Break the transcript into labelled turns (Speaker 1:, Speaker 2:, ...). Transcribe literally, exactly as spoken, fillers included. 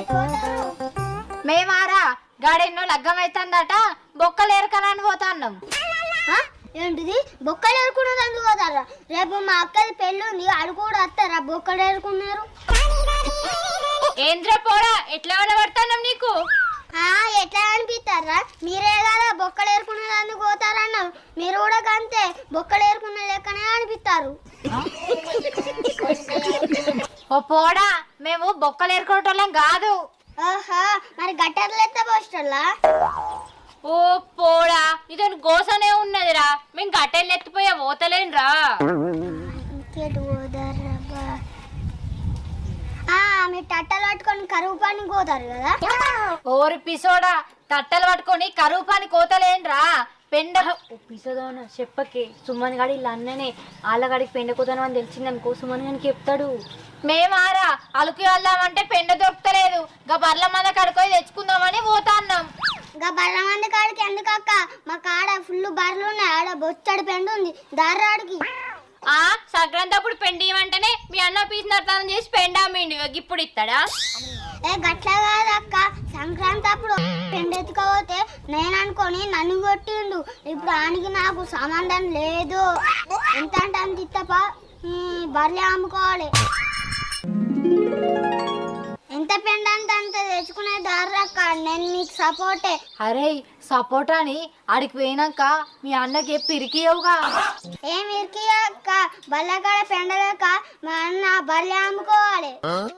Speaker 1: మేమారా గాడెన్నో లగ్గం అవుతుందట బొక్కలు ఏరకనని పోతాన్నాం.
Speaker 2: ఏంటిది బొక్కలు ఏరుకున్నది అందుకు పోతారా? రేపు మా అక్కది పెళ్ళి ఉంది, అది కూడా వస్తారా బొక్కలు ఏరుకున్నారు?
Speaker 1: ఏంద్ర పోరా ఎట్లా పడతాన్నాం నీకు?
Speaker 2: ఎట్లా అనిపిస్తారా? మీరే కదా బొక్కలు ఏరుకున్నది అందుకు పోతారన్నారు, మీరు కూడా అంతే బొక్కలు ఏరుకున్న లెక్కనే అనిపిస్తారు.
Speaker 1: ఓ పోడా మేము బొక్కలు ఏరుకోవటం కాదు.
Speaker 2: ఓహో మరి గట్టర్లు ఎత్త పోస్టర్లా?
Speaker 1: ఓ పోడా ఇదని గోసనే ఉన్నదిరా, మేము గట్టెలు ఎత్తిపోయా పోతలేనురా.
Speaker 2: మీరు తట్టలు పట్టుకొని కరువు పని పోతారు కదా?
Speaker 1: ఓరి పిసోడా తట్టలు పట్టుకొని కరువు పని కోతలేనురా. పెండ పిసోదోన చెప్పకే, సుమన్ గాడి ఇలా అన్ననే ఆళ్ళగాడికి పెండ కోతాను అని తెలిసిందనుకో సుమన్ గారికి చెప్తాడు. మేమారా అలుకు వెళ్దామంటే పెండ దొరుకుతలేదు, గా బర్ల మంద కడుకొని తెచ్చుకుందామని పోతాన్నాం.
Speaker 2: ఇంకా బర్ల మంది కాడికి ఎందుకక్క, మా కాడ ఫుల్ బర్రెలు ఉన్నాయి, ఆడ బొచ్చడి పెండు ఉంది దారాడికి.
Speaker 1: ఆ సంక్రాంతి అప్పుడు పెండి ఇవ్వంటేనే మీ అన్న పీసినట్లను చేసి పెండామిండి, ఇప్పుడు ఇస్తాడా?
Speaker 2: ఏ గట్ల కాదక్క, సంక్రాంతి అప్పుడు పెండెత్తుకపోతే నేను అనుకొని నన్ను కొట్టిండు. ఇప్పుడు ఆనికి నాకు సంబంధం లేదు, ఎంత అంటే అంత ఇత్తప బర్రె అమ్ముకోవాలి. ఎంత పెండ అంటే అంత తెచ్చుకునే దారక్క, నేను నీకు సపోర్టే.
Speaker 1: అరే సపోర్ట్ అని ఆడికి పోయినాక మీ అన్నకి పిరికియవుగా.
Speaker 2: ఏం ఇరికియక్క, బల్లకాడ పెండలేక మా అన్న బర్రె అమ్ముకోవాలి.